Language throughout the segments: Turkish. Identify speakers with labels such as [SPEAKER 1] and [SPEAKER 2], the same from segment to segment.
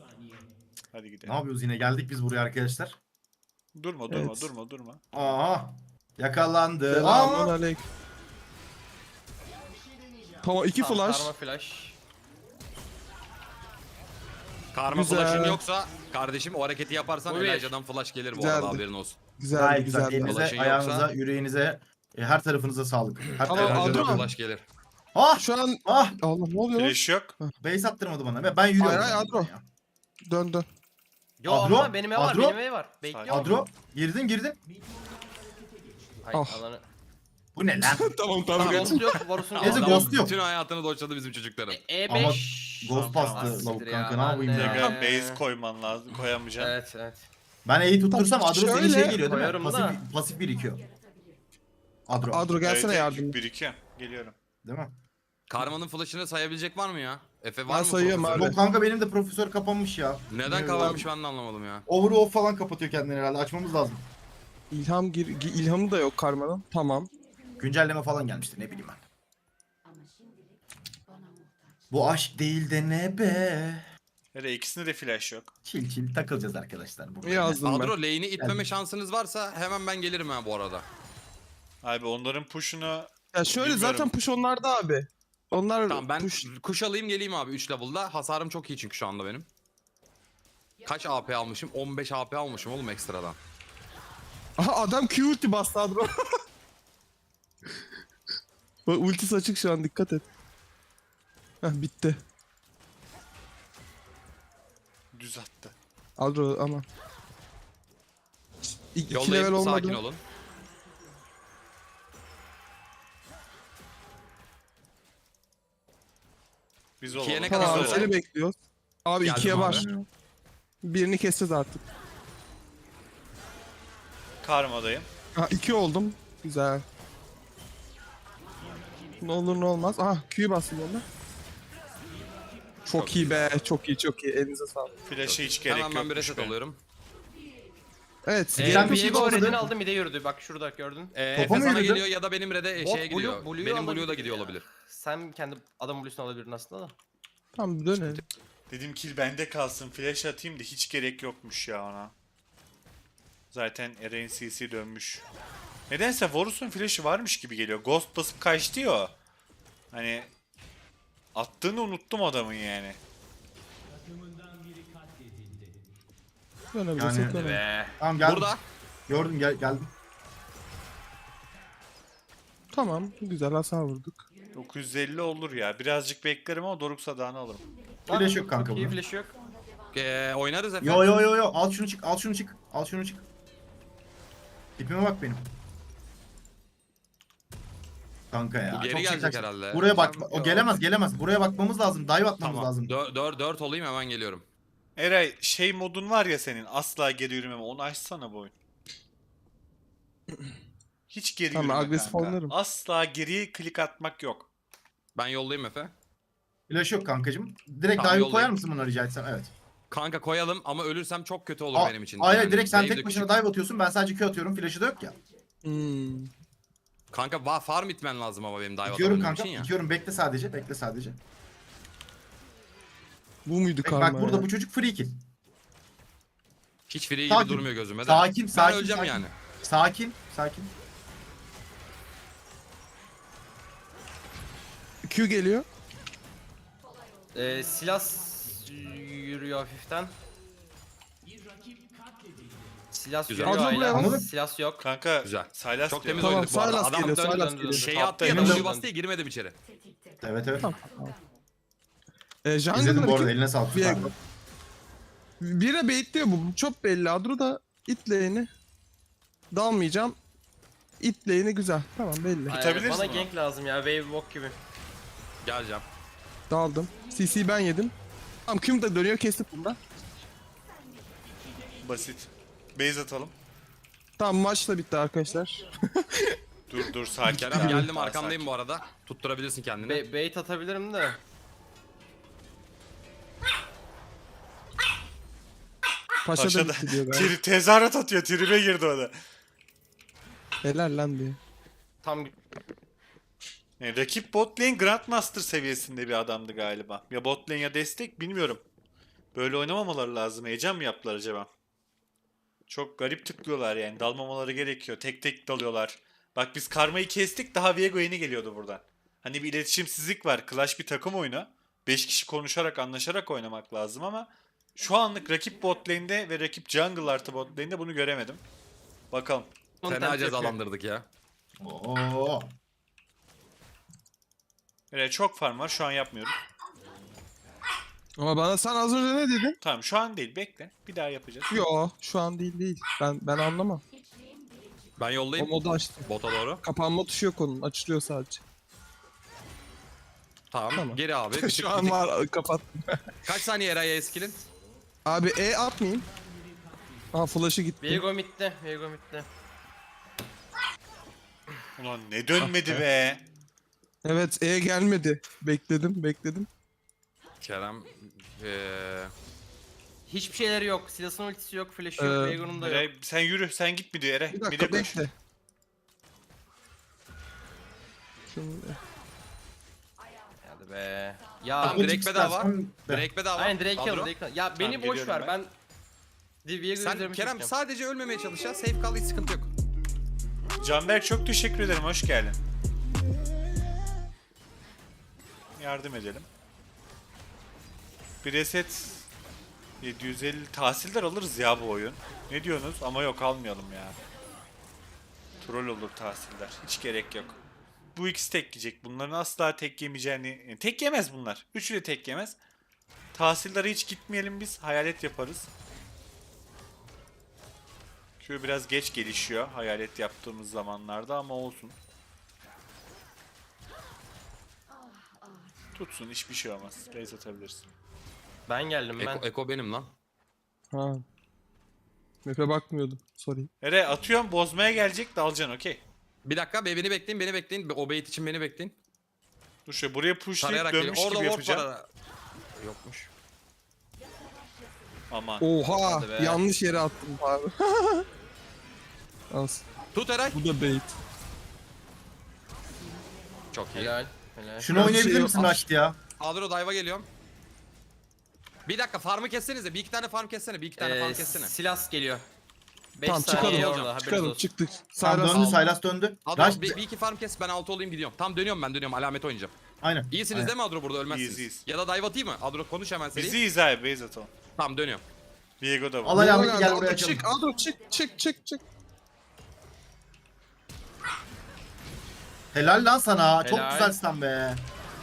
[SPEAKER 1] Hadi
[SPEAKER 2] Ne
[SPEAKER 1] gidelim.
[SPEAKER 2] yapıyoruz yine? Geldik biz buraya arkadaşlar.
[SPEAKER 1] Durma
[SPEAKER 3] Evet.
[SPEAKER 1] durma.
[SPEAKER 2] Aa, yakalandı.
[SPEAKER 3] Selamun
[SPEAKER 2] Aa,
[SPEAKER 3] aleyküm. Tamam 2
[SPEAKER 4] Tamam,
[SPEAKER 3] flash.
[SPEAKER 4] karma flash.
[SPEAKER 5] Karma
[SPEAKER 3] Güzel.
[SPEAKER 5] flash'ın yoksa kardeşim o hareketi yaparsan
[SPEAKER 4] Bu bir.
[SPEAKER 5] Elijah'dan flash gelir bu
[SPEAKER 3] Güzeldi.
[SPEAKER 5] arada, haberin olsun.
[SPEAKER 3] Güzeldi
[SPEAKER 2] gayet güzel.
[SPEAKER 3] güzeldi.
[SPEAKER 2] Elinize,
[SPEAKER 5] Ulaşın
[SPEAKER 2] ayağınıza,
[SPEAKER 5] yoksa-
[SPEAKER 2] yüreğinize, her tarafınıza sağlık. Her
[SPEAKER 3] Ama
[SPEAKER 2] tarafınıza
[SPEAKER 3] Adro-
[SPEAKER 5] Elijah'dan
[SPEAKER 2] sağlık.
[SPEAKER 5] flash gelir.
[SPEAKER 2] Ah,
[SPEAKER 3] Şu an
[SPEAKER 2] ah,
[SPEAKER 3] Allah ne oluyor?
[SPEAKER 1] Flash yok.
[SPEAKER 2] base attırmadı bana. Ben yürüyorum.
[SPEAKER 3] Hayır, hayır, Adro.
[SPEAKER 2] Ya.
[SPEAKER 3] Dön dön.
[SPEAKER 4] Yo
[SPEAKER 2] Adro,
[SPEAKER 4] ama benim ev var,
[SPEAKER 2] Adro.
[SPEAKER 4] benim ev var. Bekliyorum.
[SPEAKER 2] Adro, girdin.
[SPEAKER 4] Ay,
[SPEAKER 3] Ah.
[SPEAKER 4] alanı.
[SPEAKER 2] Bu ne lan?
[SPEAKER 3] Tamam
[SPEAKER 4] Ghost yok, Varus'un
[SPEAKER 2] Neyse,
[SPEAKER 4] yok.
[SPEAKER 2] Ghost yok.
[SPEAKER 5] Bütün hayatını doçladı bizim çocukların.
[SPEAKER 4] E5.
[SPEAKER 2] Ama Ghost bastı
[SPEAKER 4] Siktir
[SPEAKER 2] lavuk
[SPEAKER 4] ya,
[SPEAKER 2] kanka, ne
[SPEAKER 4] ben
[SPEAKER 2] yapayım
[SPEAKER 4] de-
[SPEAKER 2] ya.
[SPEAKER 1] Tekrar base koyman lazım. Koyamayacaksın.
[SPEAKER 4] Evet.
[SPEAKER 2] Ben E'yi tuttursam
[SPEAKER 3] Tamam,
[SPEAKER 2] Adro senin
[SPEAKER 3] şöyle
[SPEAKER 2] şey geliyor değil mi?
[SPEAKER 4] koyarım da.
[SPEAKER 2] Pasif birikiyor. Adro.
[SPEAKER 3] Adro gelsene
[SPEAKER 1] Evet,
[SPEAKER 3] yardım.
[SPEAKER 1] 1-2. Geliyorum.
[SPEAKER 2] Değil mi?
[SPEAKER 5] Karma'nın flash'ını sayabilecek var mı ya? Efe var
[SPEAKER 3] Ben
[SPEAKER 5] mı?
[SPEAKER 3] sayıyorum
[SPEAKER 5] profesör?
[SPEAKER 3] abi.
[SPEAKER 2] Yok kanka, benim de profesör kapanmış ya.
[SPEAKER 5] Neden
[SPEAKER 2] Bilmiyorum.
[SPEAKER 5] kapanmış ben de anlamadım ya.
[SPEAKER 2] Overoff falan kapatıyor kendini herhalde. Açmamız lazım.
[SPEAKER 3] İlhamı da yok karmanın. Tamam.
[SPEAKER 2] Güncelleme falan gelmiştir, ne bileyim ben. Bu aşk değil de ne be?
[SPEAKER 1] Nereye? İkisinde de flash yok.
[SPEAKER 2] Çil takılacağız arkadaşlar. Burada.
[SPEAKER 3] Yazdım
[SPEAKER 5] Adro
[SPEAKER 3] ben.
[SPEAKER 5] lane'i itmeme şansınız varsa hemen ben gelirim ha bu arada.
[SPEAKER 1] Abi onların push'unu
[SPEAKER 3] Ya şöyle
[SPEAKER 1] Bilmiyorum.
[SPEAKER 3] zaten push onlarda abi. Onlar
[SPEAKER 5] Tamam ben
[SPEAKER 3] push.
[SPEAKER 5] kuş alayım geleyim abi 3 level'da. Hasarım çok iyi çünkü şu anda benim. Kaç AP almışım? 15 AP almışım oğlum ekstradan.
[SPEAKER 3] Aha adam Q ulti bastı Adro. Bak ultisi açık şu an, dikkat et. Heh bitti.
[SPEAKER 1] düz attı.
[SPEAKER 3] Adro aman. İki level
[SPEAKER 5] Yollayayım,
[SPEAKER 3] olmadı.
[SPEAKER 5] sakin olun.
[SPEAKER 1] Biz
[SPEAKER 5] İkiye
[SPEAKER 1] olalım.
[SPEAKER 5] ne kadar
[SPEAKER 3] Tamam
[SPEAKER 5] süre?
[SPEAKER 3] seni bekliyoruz. Abi
[SPEAKER 5] Geldim
[SPEAKER 3] ikiye
[SPEAKER 5] abi.
[SPEAKER 3] var. Birini keseceğiz artık.
[SPEAKER 1] Karmadayım.
[SPEAKER 3] Ha 2 oldum. Güzel. Ne olur ne olmaz. Aha Q'yu bastım onda. Çok iyi be. Çok iyi. Elinize sağlık.
[SPEAKER 1] Flash'e hiç gerek
[SPEAKER 5] Hemen ben bir
[SPEAKER 1] yokmuş
[SPEAKER 5] reset
[SPEAKER 1] benim.
[SPEAKER 5] alıyorum.
[SPEAKER 3] Evet.
[SPEAKER 2] Sen bir şey
[SPEAKER 4] Viego
[SPEAKER 2] olmadı.
[SPEAKER 4] redini aldım, bir de yürüdü. Bak şurada gördün.
[SPEAKER 5] Efe
[SPEAKER 2] Topa mı
[SPEAKER 5] sana
[SPEAKER 2] yürüdü?
[SPEAKER 5] geliyor ya da benim red'e
[SPEAKER 4] Bot
[SPEAKER 5] şeye gidiyor.
[SPEAKER 4] Blue'yu
[SPEAKER 5] Benim
[SPEAKER 4] alabilir
[SPEAKER 5] Blue'da
[SPEAKER 4] ya.
[SPEAKER 5] gidiyor olabilir.
[SPEAKER 4] Sen kendi adam Blue'sunu alabilirdin aslında da.
[SPEAKER 3] Tamam dönelim.
[SPEAKER 1] Dedim kill bende kalsın. Flash atayım da hiç gerek yokmuş ya ona. Zaten Eren CC dönmüş. Nedense Varus'un flash'ı varmış gibi geliyor. Ghost basıp kaçtı ya o. Hani attığını unuttum adamın yani.
[SPEAKER 3] Dönebilirsek
[SPEAKER 2] Yani-
[SPEAKER 3] dönelim.
[SPEAKER 4] Be.
[SPEAKER 2] Tamam, geldim.
[SPEAKER 5] Burada.
[SPEAKER 2] Gördüm, geldim.
[SPEAKER 3] Tamam. Güzel hasar vurduk.
[SPEAKER 1] 950 olur ya. Birazcık beklerim ama Doruk Sadağını alırım.
[SPEAKER 2] Flash yok kanka
[SPEAKER 4] Çok iyi
[SPEAKER 2] bunun.
[SPEAKER 4] flash yok.
[SPEAKER 5] Oynarız Efe.
[SPEAKER 2] Yo. Al şunu çık. Al şunu çık. Tipime bak benim. Kanka ya.
[SPEAKER 5] Bu geri
[SPEAKER 2] çok
[SPEAKER 5] gelecek
[SPEAKER 2] çekeceksin.
[SPEAKER 5] herhalde.
[SPEAKER 2] Buraya bak.
[SPEAKER 5] Sen-
[SPEAKER 2] O gelemez. Buraya bakmamız lazım. Dive atmamız
[SPEAKER 5] Tamam.
[SPEAKER 2] lazım.
[SPEAKER 5] 4 olayım hemen geliyorum.
[SPEAKER 1] Eray şey modun var ya senin, asla geri yürümeme, onu açsana bu oyun. Hiç geri
[SPEAKER 3] Tamam,
[SPEAKER 1] yürüme
[SPEAKER 3] agresif
[SPEAKER 1] kanka.
[SPEAKER 3] oynarım.
[SPEAKER 1] Asla geriye klik atmak yok.
[SPEAKER 5] Ben yollayayım Efe.
[SPEAKER 2] Flash yok kankacım. Direkt
[SPEAKER 5] Tamam,
[SPEAKER 2] dive
[SPEAKER 5] yollayayım.
[SPEAKER 2] koyar mısın buna rica etsem? Evet.
[SPEAKER 5] Kanka koyalım ama ölürsem çok kötü olur benim için.
[SPEAKER 2] Hayır,
[SPEAKER 5] Yani
[SPEAKER 2] direkt sen
[SPEAKER 5] wave de
[SPEAKER 2] tek başına
[SPEAKER 5] küçük.
[SPEAKER 2] dive atıyorsun. Ben sadece Q atıyorum. Flash'ı da yok ya.
[SPEAKER 3] Hmm.
[SPEAKER 5] Kanka farm itmen lazım ama benim dive
[SPEAKER 2] İtiyorum
[SPEAKER 5] atabilmem
[SPEAKER 2] kanka.
[SPEAKER 5] için ya.
[SPEAKER 2] İtiyorum. Bekle sadece.
[SPEAKER 3] Bu muydu
[SPEAKER 2] Bak,
[SPEAKER 3] karma
[SPEAKER 2] burada
[SPEAKER 3] ya?
[SPEAKER 2] bu çocuk free kill.
[SPEAKER 5] Hiç free gibi
[SPEAKER 2] Sakin.
[SPEAKER 5] durmuyor gözüme de.
[SPEAKER 2] Sakin,
[SPEAKER 5] Ben
[SPEAKER 2] sakin,
[SPEAKER 5] öleceğim
[SPEAKER 2] sakin.
[SPEAKER 5] yani.
[SPEAKER 2] Sakin.
[SPEAKER 3] Q geliyor.
[SPEAKER 4] Silas yürüyor hafiften. Silas
[SPEAKER 5] Güzel.
[SPEAKER 4] yürüyor
[SPEAKER 3] Adro buraya
[SPEAKER 4] hala.
[SPEAKER 2] anladın?
[SPEAKER 4] Silas yok.
[SPEAKER 1] Kanka
[SPEAKER 5] Güzel.
[SPEAKER 1] Sylas
[SPEAKER 5] Çok
[SPEAKER 1] diyor.
[SPEAKER 5] temiz
[SPEAKER 3] Tamam,
[SPEAKER 5] oynadık bu arada.
[SPEAKER 3] Sylas
[SPEAKER 5] Adam
[SPEAKER 3] geliyor,
[SPEAKER 4] dön,
[SPEAKER 3] Sylas
[SPEAKER 4] dön,
[SPEAKER 3] geliyor.
[SPEAKER 5] şeyi attı ya
[SPEAKER 2] Emin
[SPEAKER 5] W
[SPEAKER 2] ol.
[SPEAKER 5] bastı ya girmedim içeri.
[SPEAKER 2] Evet.
[SPEAKER 3] Jungle'da
[SPEAKER 2] İzledim bu arada.
[SPEAKER 3] kim?
[SPEAKER 2] Eline sağlık.
[SPEAKER 3] Bir-
[SPEAKER 2] süperdi.
[SPEAKER 3] Bire baitliyor bu. Çok belli. Adro da it lane'i. Dalmayacağım. It lane'i güzel. Tamam belli.
[SPEAKER 1] Tutabilirsin
[SPEAKER 4] Bana
[SPEAKER 1] onu.
[SPEAKER 4] gank lazım ya. Wave walk gibi.
[SPEAKER 5] Geleceğim.
[SPEAKER 3] Daldım. CC ben yedim. Tamam Q'm da dönüyor, kestik bunda.
[SPEAKER 1] Basit. Base atalım.
[SPEAKER 3] Tamam maç da bitti arkadaşlar.
[SPEAKER 1] Dur sakin.
[SPEAKER 5] Kerem
[SPEAKER 1] abi,
[SPEAKER 5] geldim
[SPEAKER 1] daha
[SPEAKER 5] arkandayım
[SPEAKER 1] sakin.
[SPEAKER 5] bu arada. Tutturabilirsin kendini.
[SPEAKER 4] Bait atabilirim de.
[SPEAKER 3] Paşa,
[SPEAKER 1] Paşa
[SPEAKER 3] da
[SPEAKER 1] da
[SPEAKER 3] bitti diyor galiba.
[SPEAKER 1] tezahürat atıyor. Tribe girdi o da.
[SPEAKER 3] Helal lan diye.
[SPEAKER 4] Tam
[SPEAKER 1] Yani rakip bot lane Grandmaster seviyesinde bir adamdı galiba. Ya bot lane ya destek bilmiyorum. Böyle oynamamaları lazım. Heyecan mı yaptılar acaba? Çok garip tıklıyorlar yani. Dalmamaları gerekiyor. Tek tek dalıyorlar. Bak biz Karma'yı kestik. Daha Viego yeni geliyordu buradan. Hani bir iletişimsizlik var. Clash bir takım oyunu. 5 kişi konuşarak anlaşarak oynamak lazım ama şu anlık rakip bot lane'de ve rakip jungle artı bot lane'de bunu göremedim. Bakalım.
[SPEAKER 5] Fena
[SPEAKER 4] Content
[SPEAKER 5] cezalandırdık ya.
[SPEAKER 2] Oo.
[SPEAKER 1] Evet, çok farm var. Şu an yapmıyorum.
[SPEAKER 3] Ama bana sen az önce ne dedin?
[SPEAKER 1] Tamam, şu an değil. Bekle. Bir daha yapacağız.
[SPEAKER 3] Yo şu an değil. Ben anlamam.
[SPEAKER 5] Ben
[SPEAKER 3] O
[SPEAKER 5] yollayayım.
[SPEAKER 3] modu açtım.
[SPEAKER 5] Bota doğru.
[SPEAKER 3] Kapanma tuşu yok onun. Açılıyor sadece.
[SPEAKER 5] Tamam.
[SPEAKER 3] Tamam.
[SPEAKER 5] Geri abi. Bir tık,
[SPEAKER 3] Şu
[SPEAKER 5] bir
[SPEAKER 3] an
[SPEAKER 5] tık.
[SPEAKER 3] var kapat.
[SPEAKER 5] Kaç saniye Eray'a skill'in?
[SPEAKER 3] Abi atmayayım. Aha flash'ı gitti.
[SPEAKER 4] Viego midde. Viego midde.
[SPEAKER 1] Ulan ne dönmedi be.
[SPEAKER 3] Evet gelmedi. Bekledim.
[SPEAKER 5] Kerem.
[SPEAKER 4] Hiçbir şeyleri yok. Silas'ın ultisi yok. Flash'ı yok. Viego'nun da yok.
[SPEAKER 1] Eray, sen yürü. Sen git midi Eray.
[SPEAKER 3] Bir
[SPEAKER 1] Mide
[SPEAKER 3] dakika
[SPEAKER 1] koş.
[SPEAKER 3] bekle. Şimdi
[SPEAKER 4] Hadi be. Ya
[SPEAKER 5] Tamam, direkt bedava. Direkt bedava.
[SPEAKER 4] aynen direkt
[SPEAKER 5] Kadro.
[SPEAKER 4] alın. Ya beni boş
[SPEAKER 1] geliyorum
[SPEAKER 4] ver.
[SPEAKER 1] ben.
[SPEAKER 4] Ben Viego
[SPEAKER 5] Sen
[SPEAKER 4] üzerime
[SPEAKER 5] Kerem
[SPEAKER 4] çekeceğim.
[SPEAKER 5] sadece ölmemeye çalış ya. Safe kal, hiç sıkıntı yok.
[SPEAKER 1] Canberk çok teşekkür ederim. Hoş geldin. Yardım edelim. Bir reset 750 tahsildar alırız ya bu oyun. Ne diyorsunuz? Ama yok, almayalım ya. Troll olur tahsildar. Hiç gerek yok. Bu ikisi tek yiyecek. Bunların asla tek yemeyeceğini... tek yemez bunlar. Üçü de tek yemez. Tahsillara hiç gitmeyelim biz. Hayalet yaparız. Q biraz geç gelişiyor hayalet yaptığımız zamanlarda ama olsun. Tutsun, hiçbir şey olmaz. Base atabilirsin.
[SPEAKER 4] Ben geldim ben.
[SPEAKER 5] Eko benim lan.
[SPEAKER 3] ha. Map'e bakmıyordum. Sorry.
[SPEAKER 1] Ere atıyorum, bozmaya gelecek, dalacaksın, okey.
[SPEAKER 5] Bir dakika beni bekleyin. O bait için beni bekleyin.
[SPEAKER 1] Dur şöyle buraya pushlayıp
[SPEAKER 5] Tarayarak geliyor.
[SPEAKER 1] dönmüş
[SPEAKER 5] Orada
[SPEAKER 1] gibi
[SPEAKER 5] ward
[SPEAKER 1] yapacağım.
[SPEAKER 5] var. Yokmuş.
[SPEAKER 1] Aman.
[SPEAKER 3] Oha
[SPEAKER 4] Hadi be.
[SPEAKER 3] yanlış yere attım abi. As.
[SPEAKER 5] Tut Eray.
[SPEAKER 3] Bu da bait.
[SPEAKER 5] Çok iyi.
[SPEAKER 4] Helal. Helal.
[SPEAKER 2] Şunu
[SPEAKER 3] Ben
[SPEAKER 2] oynayabilir
[SPEAKER 3] şey-
[SPEAKER 2] misin Raşit ya?
[SPEAKER 5] Adro dive'a geliyorum. Bir dakika farmı kessenize. Bir iki tane farm kessene. Bir iki tane farm kessene.
[SPEAKER 4] Silas geliyor. 5
[SPEAKER 3] Tamam
[SPEAKER 4] saniye
[SPEAKER 3] çıkalım.
[SPEAKER 4] orada. Haberiniz
[SPEAKER 3] Çıkalım
[SPEAKER 4] olsun.
[SPEAKER 3] çıktık.
[SPEAKER 2] Tamam
[SPEAKER 3] Silas
[SPEAKER 2] döndü,
[SPEAKER 3] aldı.
[SPEAKER 2] Sylas döndü.
[SPEAKER 5] Adro
[SPEAKER 2] Raşit,
[SPEAKER 5] bir iki farm kes, ben altı olayım gidiyorum. Tam dönüyorum ben alamet oynayacağım.
[SPEAKER 2] aynen.
[SPEAKER 5] İyisiniz
[SPEAKER 2] aynen.
[SPEAKER 5] değil mi Adro, burada ölmezsiniz.
[SPEAKER 1] İyiyiz.
[SPEAKER 5] Ya da dive atayım mı? Adro konuş hemen seri.
[SPEAKER 1] Bizi iyiyiz abi, base atalım.
[SPEAKER 5] Tamam dönüyorum.
[SPEAKER 1] Viego da
[SPEAKER 2] Al
[SPEAKER 1] var.
[SPEAKER 2] alameti,
[SPEAKER 3] Adro
[SPEAKER 2] gel
[SPEAKER 3] geldi.
[SPEAKER 2] buraya
[SPEAKER 3] Adro
[SPEAKER 2] açalım.
[SPEAKER 3] çık. Adro çık.
[SPEAKER 2] Helal lan sana. Çok
[SPEAKER 4] Helal.
[SPEAKER 2] güzel stun be.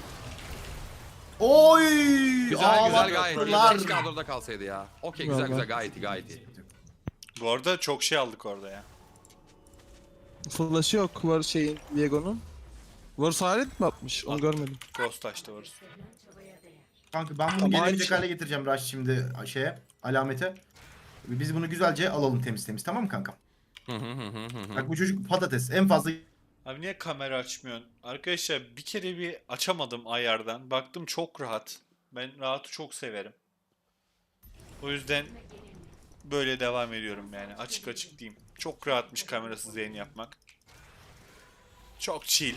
[SPEAKER 2] Oy!
[SPEAKER 5] Güzel gayet iyi.
[SPEAKER 2] ağlattılar.
[SPEAKER 5] Keşke Adro'da kalsaydı ya. Okey
[SPEAKER 3] Vallahi.
[SPEAKER 5] güzel gayet iyi.
[SPEAKER 1] Bu arada çok şey aldık orada ya.
[SPEAKER 3] Flash'ı yok var şeyin Viego'nun. Varus hayalet mi atmış? Onu görmedim.
[SPEAKER 1] Ghost açtı varız.
[SPEAKER 2] Kanka ben bunu
[SPEAKER 3] Ama
[SPEAKER 2] gelemeyecek
[SPEAKER 3] aynı şey.
[SPEAKER 2] hale getireceğim Raşit şimdi şeye, alamete. Biz bunu güzelce alalım temiz tamam mı kanka? Bak bu çocuk patates en fazla
[SPEAKER 1] Abi niye kamera açmıyorsun? Arkadaşlar bir kere bir açamadım ayardan. Baktım çok rahat. Ben rahatı çok severim. O yüzden böyle devam ediyorum yani. Açık diyeyim. Çok rahatmış kamerasız yayın yapmak. Çok chill.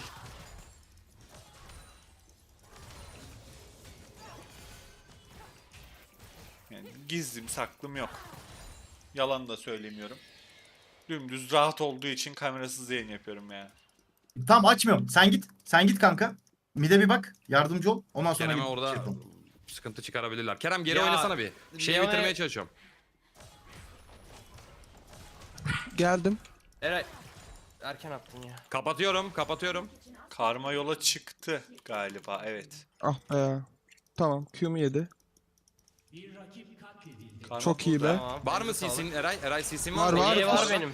[SPEAKER 1] Yani gizlim saklım yok. Yalan da söylemiyorum. Dümdüz rahat olduğu için kamerasız yayın yapıyorum yani.
[SPEAKER 2] Tamam açmıyorum. Sen git kanka. Mide bir bak. Yardımcı ol. Ondan sonra
[SPEAKER 5] Kerem'e
[SPEAKER 2] gidip
[SPEAKER 5] orada
[SPEAKER 2] şey yapalım.
[SPEAKER 5] sıkıntı çıkarabilirler. Kerem geri
[SPEAKER 4] Ya,
[SPEAKER 5] oynasana bir. Şeyi
[SPEAKER 4] Leon'a-
[SPEAKER 5] bitirmeye çalışıyorum.
[SPEAKER 3] Geldim.
[SPEAKER 4] Eray. Erken attın ya.
[SPEAKER 5] Kapatıyorum.
[SPEAKER 1] Karma yola çıktı galiba, evet.
[SPEAKER 3] Ah be. Tamam Q'mu yedi.
[SPEAKER 1] Karma
[SPEAKER 3] Çok iyi
[SPEAKER 1] burada.
[SPEAKER 3] be.
[SPEAKER 4] Tamam.
[SPEAKER 5] Var mı
[SPEAKER 4] elinize sağlık.
[SPEAKER 5] CC'nin Eray? Eray CC'nin
[SPEAKER 3] Var,
[SPEAKER 5] var mı?
[SPEAKER 3] var.
[SPEAKER 4] İyi var benim.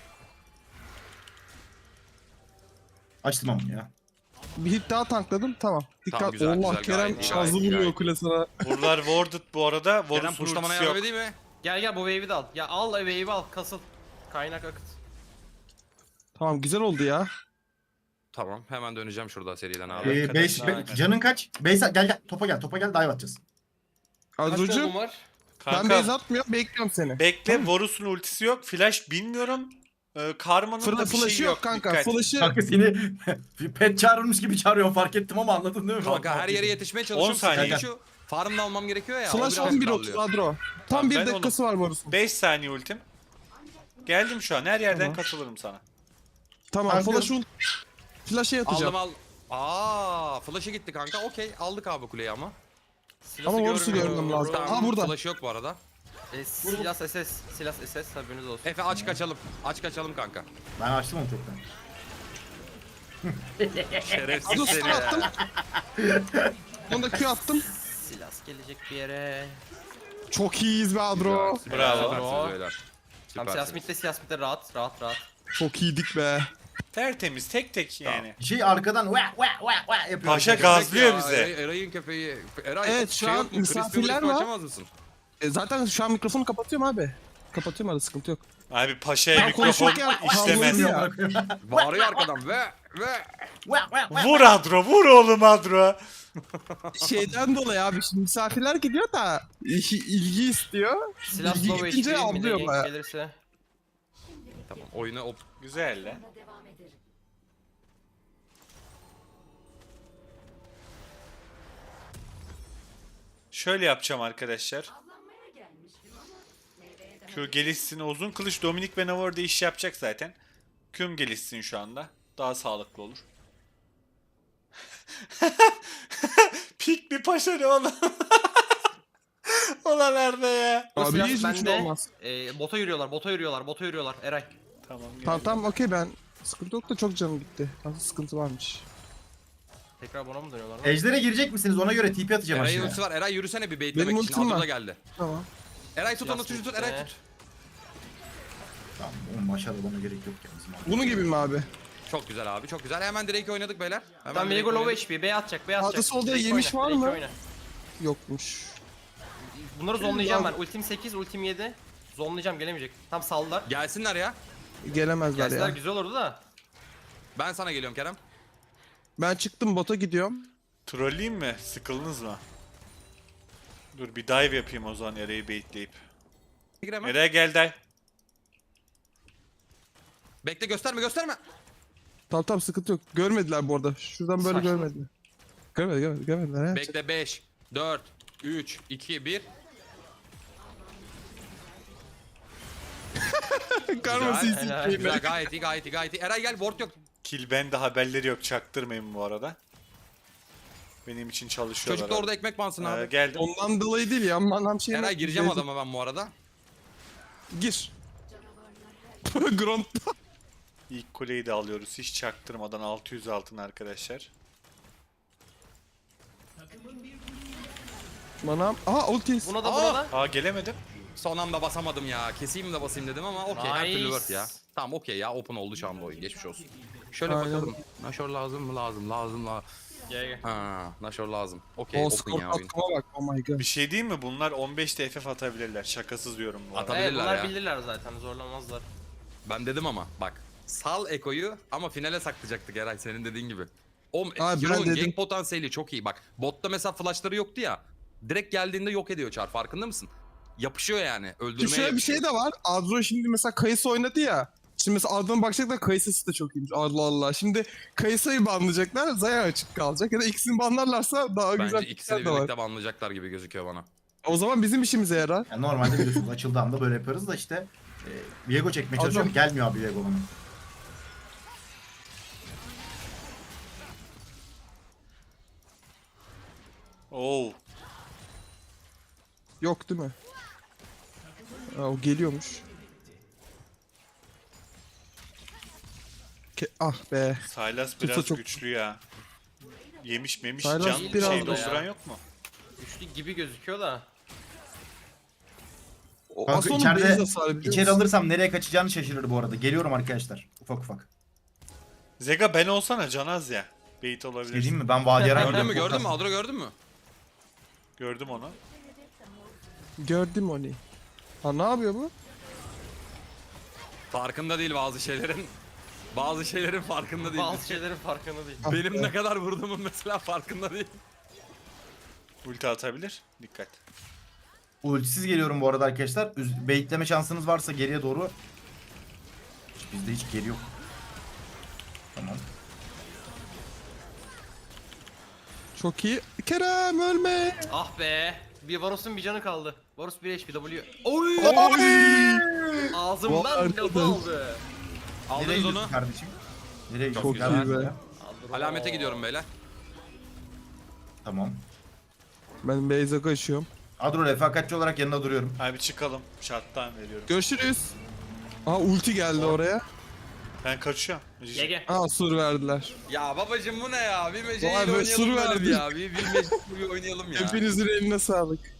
[SPEAKER 2] Açtım ama ya.
[SPEAKER 3] Bir hit daha tankladım tamam. Dikkat.
[SPEAKER 5] güzel,
[SPEAKER 3] Allah
[SPEAKER 5] güzel,
[SPEAKER 3] Kerem
[SPEAKER 5] gayet iyi,
[SPEAKER 3] şazlı
[SPEAKER 5] gayet iyi,
[SPEAKER 3] vuruyor
[SPEAKER 5] gayet
[SPEAKER 3] kule sana.
[SPEAKER 1] Buralar warded bu arada.
[SPEAKER 5] Kerem
[SPEAKER 1] Varus'un
[SPEAKER 5] puşlamana
[SPEAKER 1] ultisi
[SPEAKER 5] yardım
[SPEAKER 1] yok.
[SPEAKER 5] edeyim mi?
[SPEAKER 4] Gel bu wave'i de al. Ya al wave'i al. Kasıl. Kaynak akıt.
[SPEAKER 3] Tamam güzel oldu ya.
[SPEAKER 5] Tamam hemen döneceğim şurada seriden abi.
[SPEAKER 1] Arkadaşlar.
[SPEAKER 2] Canın kaç? Gel topa gel dive atacağız.
[SPEAKER 4] Kaç
[SPEAKER 3] Azrucu
[SPEAKER 4] golüm var?
[SPEAKER 3] ben
[SPEAKER 1] Kanka
[SPEAKER 3] base atmıyorum bekliyorum seni.
[SPEAKER 1] bekle, Varus'un ultisi yok. Flash bilmiyorum. Karma'nın da bir
[SPEAKER 3] Flash'ı
[SPEAKER 1] şey
[SPEAKER 3] yok
[SPEAKER 1] yok.
[SPEAKER 3] kanka.
[SPEAKER 1] Dikkat.
[SPEAKER 3] Flash'ı
[SPEAKER 2] Kanka seni pet çağırılmış gibi çağırıyorum fark ettim ama anladın değil mi?
[SPEAKER 5] Kanka her yere yetişmeye çalışıyorum.
[SPEAKER 1] 10 saniye.
[SPEAKER 5] Sıkıntı şu. Farm da almam gerekiyor ya. o
[SPEAKER 3] Flash
[SPEAKER 5] biraz
[SPEAKER 3] 11
[SPEAKER 5] darlıyor.
[SPEAKER 3] 30 Adro.
[SPEAKER 1] Tamam,
[SPEAKER 3] Tam bir
[SPEAKER 1] ben
[SPEAKER 3] dakikası var Varus'un.
[SPEAKER 1] 5 saniye ultim. Geldim şu an. Her yerden
[SPEAKER 3] Tamam.
[SPEAKER 1] katılırım sana.
[SPEAKER 3] Tamam
[SPEAKER 2] Kanka.
[SPEAKER 3] flash'a yatacağım.
[SPEAKER 5] Aldım al. Flash'ı gitti kanka. Okey aldık abi kuleyi ama.
[SPEAKER 4] Silahı
[SPEAKER 3] Ama Varus'u
[SPEAKER 4] görmüyorum.
[SPEAKER 3] görmem lazım. Aa burada.
[SPEAKER 5] Flash'ı yok bu arada.
[SPEAKER 4] Silah SS. Silah SS haberiniz olsun.
[SPEAKER 5] Efe aç kaçalım. Aç kaçalım kanka.
[SPEAKER 2] Ben açtım onu çoktan.
[SPEAKER 5] Şerefsiz
[SPEAKER 3] Adro
[SPEAKER 5] seni.
[SPEAKER 3] stun attım. Onu da Q attım.
[SPEAKER 4] Silah gelecek bir yere.
[SPEAKER 3] Çok iyiyiz be Adro.
[SPEAKER 1] Bravo.
[SPEAKER 5] Süpersiniz beyler.
[SPEAKER 4] Tamam siyah smith'te rahat.
[SPEAKER 3] Çok iyiydik be.
[SPEAKER 1] Tertemiz tek tek yani.
[SPEAKER 2] Şey arkadan ve yapıyor.
[SPEAKER 1] Paşa
[SPEAKER 2] arkadaşlar.
[SPEAKER 1] gazlıyor bize.
[SPEAKER 5] Eray'ın köpeği. Eray
[SPEAKER 3] Evet, şu an
[SPEAKER 5] yok mu? Crispy
[SPEAKER 3] misafirler
[SPEAKER 5] Burrito
[SPEAKER 3] var.
[SPEAKER 5] açamaz mısın?
[SPEAKER 3] Zaten şu an mikrofonu kapatıyorum abi. Kapatıyorum arada sıkıntı yok.
[SPEAKER 1] Abi paşaya
[SPEAKER 3] Ben
[SPEAKER 1] mikrofon
[SPEAKER 3] konuşurken
[SPEAKER 1] işlemez.
[SPEAKER 3] havlıyor ya.
[SPEAKER 5] Bağırıyor arkadan ve.
[SPEAKER 1] Vur Adro, vur oğlum Adro.
[SPEAKER 3] Şeyden dolayı abi şimdi misafirler gidiyor da ilgi istiyor.
[SPEAKER 4] Silah
[SPEAKER 3] İlgi
[SPEAKER 4] slow
[SPEAKER 3] gidince
[SPEAKER 4] HP mi
[SPEAKER 3] avlıyor
[SPEAKER 4] de
[SPEAKER 3] baya.
[SPEAKER 4] gelirse.
[SPEAKER 5] Tamam oyuna o
[SPEAKER 1] Güzel lan. Şöyle yapacağım arkadaşlar. Q gelişsin, uzun kılıç Dominik ve Navarro'da iş yapacak zaten. Q'm gelişsin şu anda. Daha sağlıklı olur. Pik bir paşa ne oğlum? Ulan nerede ya?
[SPEAKER 4] Bu
[SPEAKER 3] Abi
[SPEAKER 4] silah
[SPEAKER 3] hiçbir şey
[SPEAKER 4] bende.
[SPEAKER 3] olmaz.
[SPEAKER 4] Bota yürüyorlar. Eray.
[SPEAKER 1] Tamam.
[SPEAKER 3] Tamam okey ben sıkıntı yok da çok canım gitti. Nasıl sıkıntı varmış.
[SPEAKER 4] Tekrar buna mı dönüyorlar?
[SPEAKER 2] Ejder'e girecek misiniz? Ona göre TP atacağım
[SPEAKER 5] Eray'ın
[SPEAKER 2] aşağıya.
[SPEAKER 5] ultisi var. Eray yürüsene bir
[SPEAKER 3] Benim
[SPEAKER 5] baitlemek için.
[SPEAKER 3] ultim
[SPEAKER 5] Adro
[SPEAKER 3] var.
[SPEAKER 5] da geldi.
[SPEAKER 3] Tamam.
[SPEAKER 5] Eray tut onu
[SPEAKER 4] Silah
[SPEAKER 5] tut Eray
[SPEAKER 4] smith'te.
[SPEAKER 5] tut.
[SPEAKER 2] Tamam oğlum aşağıda bana gerek yok ya bizim abi.
[SPEAKER 3] Bunu gibi mi abi?
[SPEAKER 5] Çok güzel abi çok güzel. Hemen Drake'i oynadık beyler. Hemen
[SPEAKER 4] Tamam
[SPEAKER 5] Drake'i
[SPEAKER 4] Viego low
[SPEAKER 5] oynadık.
[SPEAKER 4] HP. B atacak.
[SPEAKER 3] Sağda solda
[SPEAKER 4] Drake
[SPEAKER 3] yemiş
[SPEAKER 4] oyna,
[SPEAKER 3] var
[SPEAKER 4] Drake
[SPEAKER 3] mı?
[SPEAKER 4] oyna.
[SPEAKER 3] Yokmuş.
[SPEAKER 4] Bunları zonlayacağım ben. Ultim 8, ultim 7. Zonlayacağım gelemeyecek. Tam saldılar.
[SPEAKER 5] Gelsinler ya.
[SPEAKER 3] Gelemezler
[SPEAKER 4] Gelseler
[SPEAKER 3] ya.
[SPEAKER 4] güzel olurdu da.
[SPEAKER 5] Ben sana geliyorum Kerem.
[SPEAKER 3] Ben çıktım bota gidiyorum.
[SPEAKER 1] Trolleyeyim mi? Sıkıldınız mı? Dur bir dive yapayım o zaman Eray'ı baitleyip.
[SPEAKER 5] Giremem.
[SPEAKER 1] Eray gel dive.
[SPEAKER 5] Bekle gösterme.
[SPEAKER 3] Tamam sıkıntı yok. Görmediler bu arada. Şuradan böyle
[SPEAKER 4] Saçma.
[SPEAKER 3] görmediler. Görmediler ya.
[SPEAKER 5] Bekle 5, 4, 3, 2, 1.
[SPEAKER 3] Karması
[SPEAKER 5] Güzel,
[SPEAKER 4] helal.
[SPEAKER 5] Güzel gayet iyi. Eray gel ward yok.
[SPEAKER 1] Kill bende haberleri yok çaktırmayın bu arada. Benim için çalışıyorlar.
[SPEAKER 5] Çocuk da orada ekmek bansın abi.
[SPEAKER 1] Geldim.
[SPEAKER 3] Ondan dolayı değil ya. Manam şey.
[SPEAKER 5] Eray gireceğim adama ben bu arada.
[SPEAKER 3] Gir. Grunt.
[SPEAKER 1] İlk kuleyi de alıyoruz. Hiç çaktırmadan 600 altın arkadaşlar.
[SPEAKER 3] Manam. Aha ultis.
[SPEAKER 4] Buna da
[SPEAKER 5] Aa!
[SPEAKER 4] buna da.
[SPEAKER 1] Aa gelemedim.
[SPEAKER 5] Son anda basamadım ya. Keseyim de basayım dedim ama okey her türlü
[SPEAKER 4] Nice.
[SPEAKER 5] word ya. Tamam okey ya open oldu şu anda oyun geçmiş olsun. Şöyle
[SPEAKER 3] Aynen.
[SPEAKER 5] bakalım. Nashor lazım mı? Lazım.
[SPEAKER 4] Gel.
[SPEAKER 5] Ha, Nashor lazım. Okey
[SPEAKER 3] O
[SPEAKER 5] open
[SPEAKER 3] skor
[SPEAKER 5] ya oyun.
[SPEAKER 3] katkıma bak. Oh my god.
[SPEAKER 1] Bir şey diyeyim mi? Bunlar 15 TFF atabilirler. Şakasız diyorum bu arada.
[SPEAKER 5] Atabilirler
[SPEAKER 4] Bunlar
[SPEAKER 5] ya.
[SPEAKER 4] bilirler zaten zorlamazlar.
[SPEAKER 5] Ben dedim ama bak. Sal Eko'yu ama finale saklayacaktık Eray senin dediğin gibi. O
[SPEAKER 3] Abi ben
[SPEAKER 5] Hero'nun
[SPEAKER 3] dedim.
[SPEAKER 5] gank potansiyeli çok iyi bak. Botta mesela flashları yoktu ya. Direkt geldiğinde yok ediyor Char farkında mısın? Yapışıyor yani öldürmeye
[SPEAKER 3] Şimdi şöyle bir
[SPEAKER 5] yapışıyor.
[SPEAKER 3] şey de var. Adro şimdi mesela Kayısı oynadı ya. Şimdi mesela Adro'nun bakacaklar Kayısı'sı da çok iyiymiş. Allah Allah. Şimdi Kayısı'yı banlayacaklar. Zaya açık kalacak. Ya da ikisini banlarlarsa daha güzel
[SPEAKER 5] Bence ikisini
[SPEAKER 3] pikler de var.
[SPEAKER 5] birlikte banlayacaklar gibi gözüküyor bana.
[SPEAKER 3] O zaman bizim işimize yarar.
[SPEAKER 2] Yani normalde biliyorsunuz açıldığı anda böyle yaparız da işte Viego çekmeye çalışıyorum. Gelmiyor abi Viego bana.
[SPEAKER 1] Oo.
[SPEAKER 3] Yok değil mi? Aa, o geliyormuş. Ah be.
[SPEAKER 1] Sylas
[SPEAKER 3] Tutsa
[SPEAKER 1] biraz
[SPEAKER 3] çok-
[SPEAKER 1] güçlü ya. Yemiş memiş
[SPEAKER 3] Sylas
[SPEAKER 1] can
[SPEAKER 4] biraz
[SPEAKER 1] şey
[SPEAKER 4] da
[SPEAKER 1] dolduran
[SPEAKER 4] ya.
[SPEAKER 1] yok mu?
[SPEAKER 4] Üçlü gibi gözüküyor da.
[SPEAKER 3] O
[SPEAKER 2] Kanka
[SPEAKER 3] Ason'un
[SPEAKER 2] içeride-
[SPEAKER 3] base hasarı biliyor
[SPEAKER 2] İçeri
[SPEAKER 3] musun?
[SPEAKER 2] alırsam nereye kaçacağını şaşırır bu arada. Geliyorum arkadaşlar. Ufak ufak.
[SPEAKER 1] Zega ben olsana Canaz ya. Bait olabilir.
[SPEAKER 2] Dediğim mi? Ben Vadiyaran
[SPEAKER 5] Gördün mü Adro gördün mü?
[SPEAKER 1] Gördüm onu.
[SPEAKER 3] Gördüm onu. Ha ne yapıyor bu?
[SPEAKER 5] Farkında değil bazı şeylerin. Bazı şeylerin farkında değil.
[SPEAKER 4] Bazı şeylerin farkında değil.
[SPEAKER 5] Benim ne kadar vurduğumun mesela farkında değil.
[SPEAKER 1] Ulti atabilir. Dikkat.
[SPEAKER 2] Ultisiz geliyorum bu arada arkadaşlar. Baitleme şansınız varsa geriye doğru. Bizde hiç geri yok. Tamam.
[SPEAKER 3] Çok iyi. Kerem ölme.
[SPEAKER 4] Ah be. Bir Varus'un bir canı kaldı. Varus 1 HP W. Oy! Ağzımdan
[SPEAKER 3] Vay
[SPEAKER 4] lafı
[SPEAKER 3] arkadaş.
[SPEAKER 4] aldı.
[SPEAKER 2] Nereye
[SPEAKER 5] Aldınız
[SPEAKER 2] gidiyorsun
[SPEAKER 5] onu.
[SPEAKER 2] kardeşim? Nereye gidiyorsun?
[SPEAKER 3] Çok
[SPEAKER 2] Gel
[SPEAKER 3] iyi
[SPEAKER 2] lan
[SPEAKER 3] be.
[SPEAKER 2] buraya.
[SPEAKER 5] Alamete gidiyorum beyler.
[SPEAKER 2] Tamam.
[SPEAKER 3] Ben base'e kaçıyorum.
[SPEAKER 2] Adro refakatçi olarak yanında duruyorum.
[SPEAKER 1] Hadi bir çıkalım. Şarttan veriyorum.
[SPEAKER 3] Görüşürüz. Aa ulti geldi oraya.
[SPEAKER 1] Ben kaçıyorum.
[SPEAKER 4] GG.
[SPEAKER 3] Aa sur verdiler.
[SPEAKER 5] Ya babacım bu ne ya? Bir
[SPEAKER 3] Vay
[SPEAKER 5] meceyle
[SPEAKER 3] be,
[SPEAKER 5] oynayalım
[SPEAKER 3] sur
[SPEAKER 5] böyle bir
[SPEAKER 3] verdi.
[SPEAKER 5] ya. Bir meclis bir oynayalım ya.
[SPEAKER 3] Hepinizin eline sağlık.